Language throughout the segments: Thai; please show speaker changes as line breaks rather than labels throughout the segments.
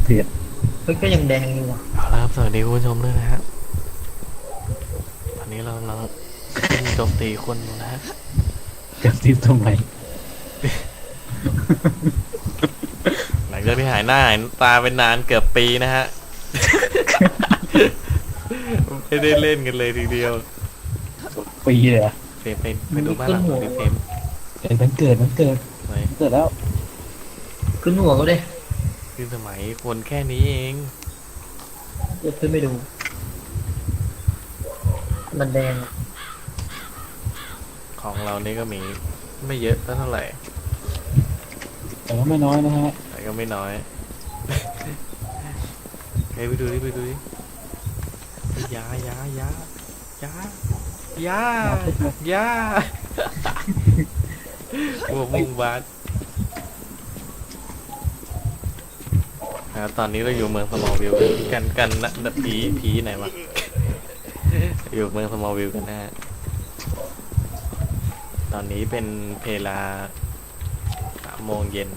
เผ็ด
เฮ้ยก็ยังแดงอยู่ว่ะ
เอาละครับสวัสดีคุณผู้ชมด้วยนะฮะตอนนี้เรากำลังโจมตีคนอยู่นะฮะ
จะติดตรงไหน
หลังจากที่หายหน้าหายตาเป็นนานเกือบปีนะฮะ ไม่ได้เล่นกันเลยทีเดียว
ปีเลยอะ
เฟรมไปดูบ้านหลังของดิเฟรม
มันเกิด
ไหน
เกิดแล้ว
ขึ้นหัวก็ได้
คือสมัยคนแค่นี้เอง
เดี๋ยวขึ้นไปดู มันแดงอะ
ของเรานี่ก็มีไม่เยอะเท่าไหร่
แต่ว่าไม่น้อยนะฮะ
แต่ก็ไม่น้อย เฮ้ยไปดูดิยายหัวมุงบาสตอนนี้เราอยู่เมืองสมอลวิลกันนะผีไหนวะ อยู่เมืองสมอลวิลกันนะฮะตอนนี้เป็นเวลา3 โมงเย็น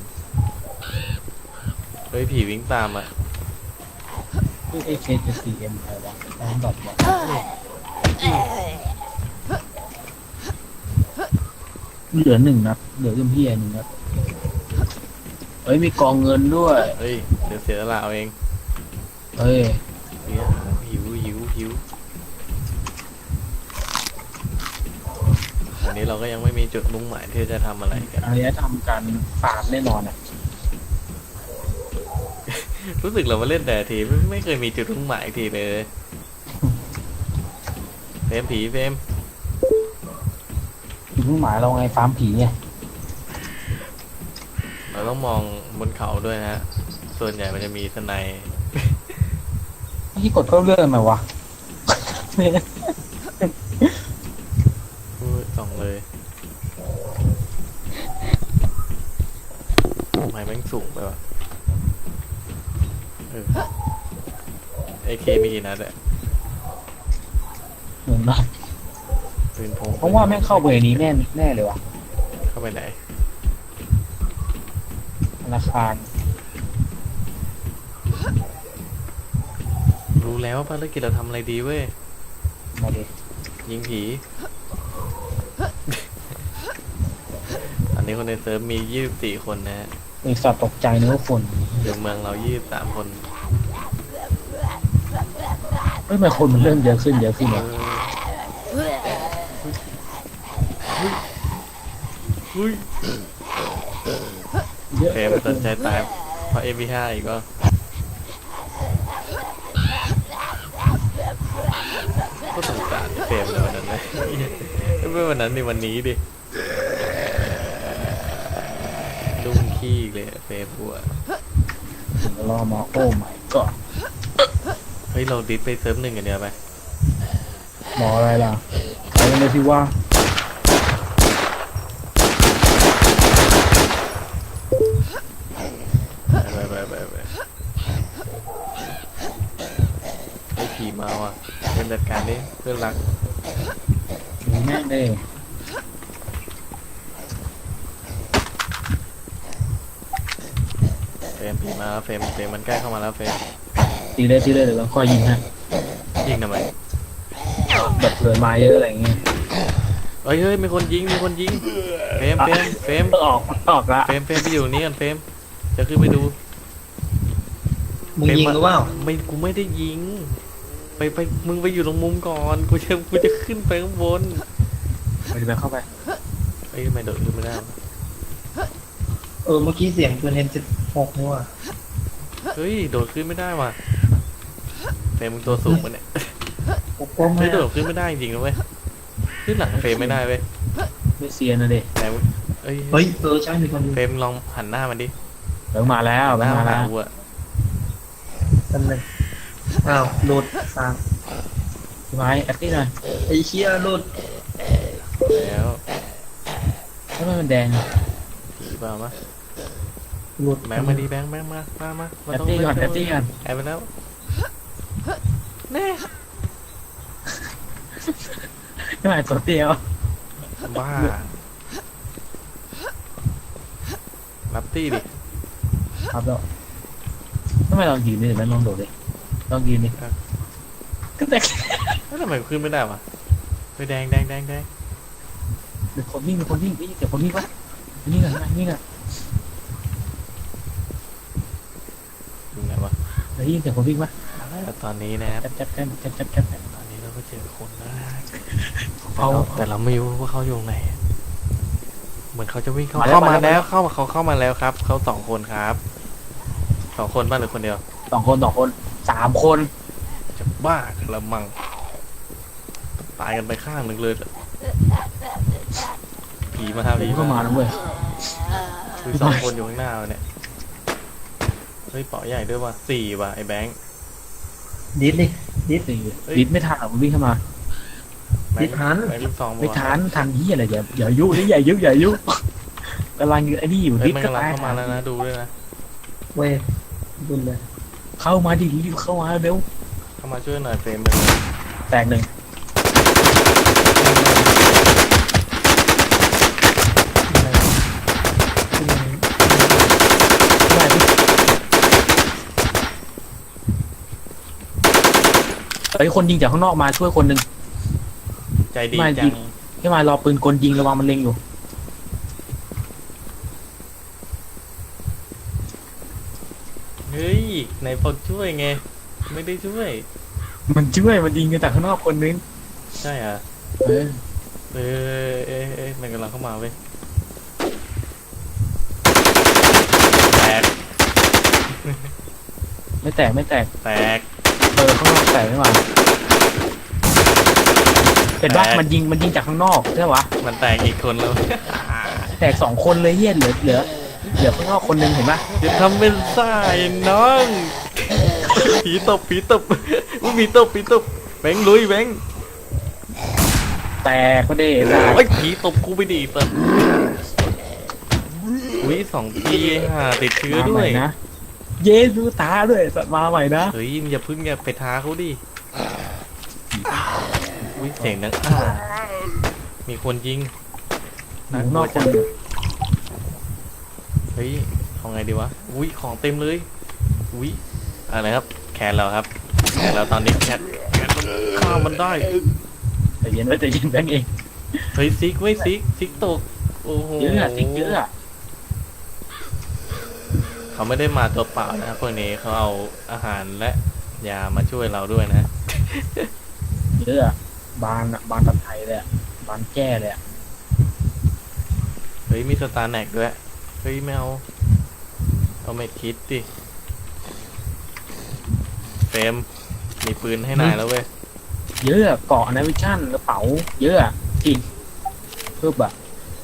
เฮ้ยผีวิ่งตามอ่ะ
เอเคจะสี่เอ็มอะไรวะแอนดอทวะเหลือหนึ่งนัดเหลือเอ็มพี่หนึ่งนัดเฮ้ยมีกองเงินด้วย
เฮ้ยเดี๋ยวเสียละเอาเอง
เฮ้ย
เฮ้ยหิวอันนี้เราก็ยังไม่มีจุดมุ่งหมายที่จะทำอะไรกัน
อันนี้ทำการฟาร์มแน่นอนอ่ะ
รู้สึกเรามาเล่นแต่ทีไม่เคยมีจุดมุ่งหมายทีเลยเฟรม
จุดมุ่งหมายเราไงฟาร์มผีไง
เราต้องมองบนเขาด้วยนะฮะส่วนใหญ่มันจะมีสไนป์
ที่กดเพิ่มเรื่องไหมวะ
ส่องเลยทำไมแม่งสูงไปวะไอเคมีกี่นัดอะ
เหมือนนะ
ปืนพง
เพราะว่าแม่งเข้าไปในนี้แน่เลยวะ
เข้าไปไหน
ธนาคาร
รู้แล้วว่าภารกิจเราทำอะไรดีเว้ย
มาดิ
ยิงผี ตอนนี้คนในเซิร์ฟมี24 คนนะฮะ
ไอสัตว์ตกใจนึกว่าคน
อยู่เมืองเรา23 คน
เฮ้ยทำไมคนมันเริ่มเยอะขึ้นเนี่ย
เฮ้ย
เยอะ
เฟรมสนใจตายเพราะ MP5 อีกก็สงสารเฟรมในวันนั้นเลยไม่วันนั้นในวันนี้ดิลุ่มขี้เลยเฟรมบัว
รอมาโอ้ไม่ก็
เฮ้ยเราดิสไปเซิร์ฟ1กันเดียวไป
หมออะไรล่ะไปกันเลยที่ว่า
ไปไอ้ผีมาว่ะเป็นจัดการดิเพื่อนรัก
มีแม่งเลย
เฟรมผีมาแล้วเฟรมมันใกล้เข้ามาแล้วเฟรม
ตีเลยเดี๋ยวเราคอยยิงฮะ
ยิงทำไม
แบบเผื่อมาเยอะอะไรเงี้ย
เฮ้ยมีคนยิงเฟรม
ออกละ
เฟรมไปอยู่นี่กันเฟรมจะขึ้นไปดู
มึงยิงหรือเปล่า
กูไม่ได้ยิงไปมึงไปอยู่ตรงมุมก่อนกูจะขึ้นไปข้างบน
ไปเข้าไป
เฮ้ยทำไมโดดขึ้นไม่ได้วะ
เมื่อกี้เสียงปืนM16นี่ว่ะ
เฮ้ยโดดขึ้นไม่ได้ว่ะเฟรมมึงตัวสูงปะเนี่ย
ปกป้อง
เฮ้
ไม่
ยโดดขึ้นไม่ได้จริงๆนะเว้ยขึ้นหลังเฟรมไม่ได้เว้ย
ไม่เซียนนะเด็ก
แต่เฮ้ย
เฮ้ยใช่มีคนยิง
เฟรมลองหันหน้ามันดิ
เดี๋ยวมาแล้ว
หน้ามาหากูอะ
นั่นเลยอ้าวหลุดสาม
พี่ไม้แอคตี้หน่อย
ไอ้เชี่ยหลุด
แล้ว
ทำไมมันแดง
ผีเปล่ามะ
หลุด
แบงค์มาดีแบงค์มา
แอคตี้ก่อนแอคตี้ก่อน
แอบไปแล้วแน่
ไม่หมายตัวเดียว
บ้ารับตี้ดิ
ครับแล้วทำไมลองยืนดิเดี๋ยวมันลองโดดดิลองยืนดิก็แตก
แล้วทำไมขึ้นไม่ได้วะไปแดงแดงแดงแดง
เดี๋ยวคนวิ่งได้ยินเสียงคนวิ่งปะนี่ไงนี่ไง
อยู่ไหนวะ
ได้ยินเสียงคนวิ่งปะ
แล้วตอนนี้นะครับ
จับ
ตอนนี้เราก็เจอคนแล้วนะ
เอา
แต่เราไม่รู้ว่าเขาอยู่ไหน เหมือนเขาจะวิ่งเข้ามาแล้วเขาเข้ามาแล้วครับเขา2 คนครับ2 คนบ้านหรือคนเดียว
2 คน3 คน
จะบ้ากันละมังตายกันไปข้างหนึ่งเลยผีมาครับผี
เข้ามาแล้วเว้ย
คือ 2 คนอยู่ข้างหน้าเนี่ยเฮ้ยเป๋าใหญ่ด้วยว่ะ4ว่ะไอ้แบงค์
ดิสดิดิส
ดิดไม่ทันหรอกมันวิ่งเข้ามา
แบงค์ลูกซอง
ไม่ทันยี่อะไรอย่ายุนี่อย่ายุกำลังไอ้นี่อยู่
เฮ้ย
ดิด
มัน
ก็
กำลัง
ตาย
เข้ามาแล้วนะดูด้วยนะ
เว้ยดุนเลย
เข้ามาดิรีบเข้ามาเร็ว
เข้ามาช่วยหน่อยเฟรมเลย
แตก 1เฮ้ยคนยิงจากข้างนอกมาช่วยคนหนึ่ง
ใจดี
ไม่
จั
ยิ
ง
ง ให้มารอปืนกลยิงระวังมันเล็งอยู่
เฮ้ยไหนบอกช่วยไงไม่ได้ช่วย
มันช่วยมันยิงกันจากข้างนอกคนนึง
ใช่อ่ะ
เออ
มันกำลังเข้ามาเว้ยแตก
ไม่แตก
แตก
ข้างนอกแตกไม่มาเห็นปะ
แตก
มันยิงจากข้างนอกใช่ปะ
มันแตกอีกคนแล้ว
แตก2 คนเลยเฮียเหลือข้างนอกคนนึงเห็นปะ
อย่าทำเป็นซ่าไอ้น้องผีตบอุ้ยผีตบแบงค์ลุยแบงค์
แตกก็ได้ได้
โอ้ยผีตบกูไปดิเปิดอุ้ย2 ทีติดเชื้อ
มา
ด้
ให
ว
ม่
ย
นะเยซูตาด้วยสัตว์มาใหม่นะ
เฮ้ยอย่าพึ่งอย่าไปท้าเขาดิอุ้ยเสียงดังมีคนยิง
ข้างนอกคนนึง
เฮ้ยเอาไงดีวะ อุ้ยของเต็มเลย อุ้ยอะไรครับ แขนเราครับ แขนเราตอนนี้แขนมันข้ามมันได้
แต่เย็นแบงค์เอง
เฮ้ยซิกเว้ยซิกตก โอ้โห
เยอะจริงเยอะ
เขาไม่ได้มาตัวเปล่านะพวกนี้เขาเอาอาหารและยามาช่วยเราด้วยนะ
เยอะบานตัดไทยเลยบานแก้เลย
เฮ้ยมีสตาร์แน็กด้วย เฮ้ยไม่เอาไม่คิดดิเฟรมมีปืนให้นายแล้วเว้ย
เยอะเกาะนาวิชั่นกระเป๋าเยอะจริงเพิ่มอะ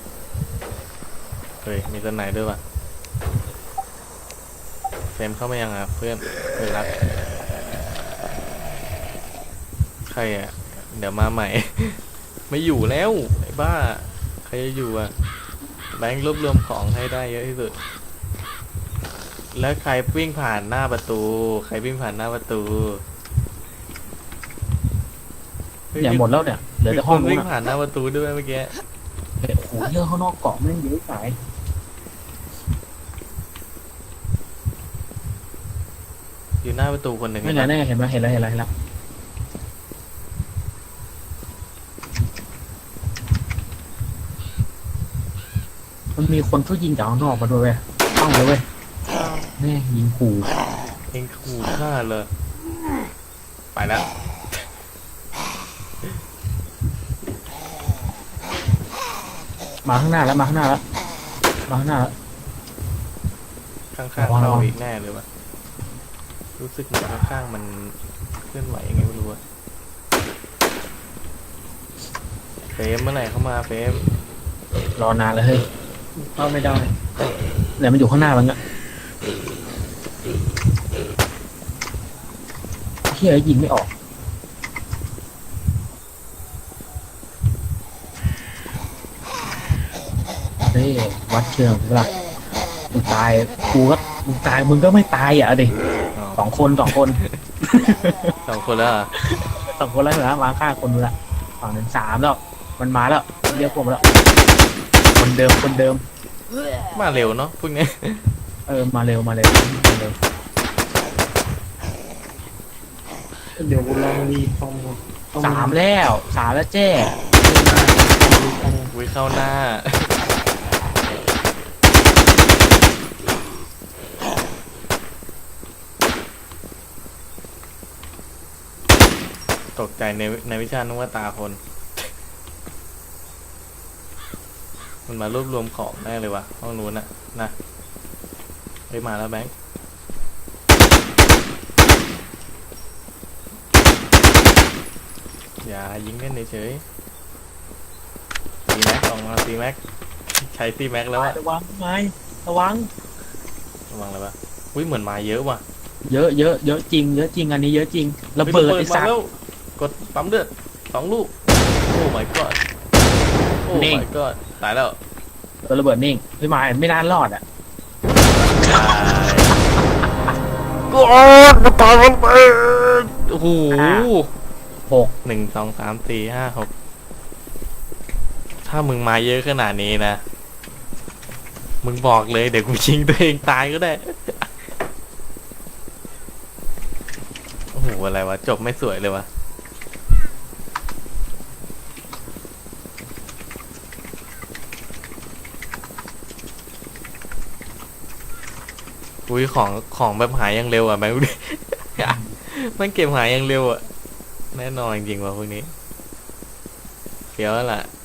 เฮ้ยมีตัวไหนด้วยวะเฟรมเข้ามายังอ่ะเพื่อนรักใครอ่ะเดี๋ยวมาใหม่ ไม่อยู่แล้วไอ้บ้าใครจะอยู่อ่ะแบงค์รวบรวมของให้ได้เยอะที่สุดแล้วใครวิ่งผ่านหน้าประตู
อย่างหมดแล้วเนี่ยเหลือแต่ห้อง
มีคน
นู้
วิ่
น
งผ่านหน้าประตูด้วยเมื่อกี้
โอ้โหเยอะข้างนอกเกาะไม่เยอะสาย
อยู่หน้าประตูคนหนึ่ง
ไม่ไงเห็นไหมเห็นแล้วมันมีคนช่วยยิงจากข้างนอกมาด้วยเว้ยต้องเลยเว้ยแม่ยิงขู่
เองขู่ฆ่าเลยไปแล้ว
มาข้างหน้าแล้ว
ข้างๆเราอีกแน่เลยวะรู้สึกเหมือนข้างๆมันเคลื่อนไหวยังไงไม่รู้อะเฟรมเมื่อไหร่เข้ามาเฟรม
รอนานแล้วเฮ้ย
เข้าไม่ได้
เนี่ยมันอยู่ข้างหน้ามันอะเฮียยิงไม่ออกเฮ้ยวัดเชิงเวลามึงตายมึงตายมึงก็ไม่ตายอ่ะดิ
อ๋อ
สองคน
2 คนแล้วเหรอ
2 คนแล้วนะมาฆ่าคนนึงละฝั่งนึง3แล้วมันมาแล้วเรียกพวกมาแล้วคนเดิม
มาเร็วเนาะพวกนี้
มาเร็ว
เดี๋ยวกูลองรีคอมต้อง
3 แล้วเจ้
วิเข้าหน้า ตกใจในวิชานึกว่าตาคน มันมารวบรวมของแน่เลยวะห้องนู้นน่ะนะไปมาแล้วแบงค์อย่ายิงเล่นเฉยๆตีแม็กออกมาตีแม็กใช้ตีแม็กแล้วอะ
ระวังไม้ระวัง
ระวังเลยปะอุ้ยเหมือนมาเยอะว่ะ
เยอะจริงเยอะจริงอันนี้เยอะจริงระ
ฮ้ย
เบิดไอ้
มา
สัตว์
แล้วกดปั๊มเลือด2 ลูกโอ้ my god โอ้
นิ่ง
my god ตายแล้ว
ตัวระเบิดนิ่งพี่ไม้ไม่น่ารอดอ่ะ
กูตายมันไปโอ้โห
6
1 2 3 4 5 6ถ้ามึงมาเยอะขนาดนี้นะ มึงบอกเลยเดี๋ยวกูชิงตัวเองตายก็ได้ โอ้โห อะไรวะ จบไม่สวยเลยวะอุ้ยของแบบหายยังเร็วอ่ะแบงค์ดูดิ มันเก็บหายยังเร็วอ่ะ แน่นอนจริงๆว่ะพวกนี้เดี๋ยวแล้วล่ะ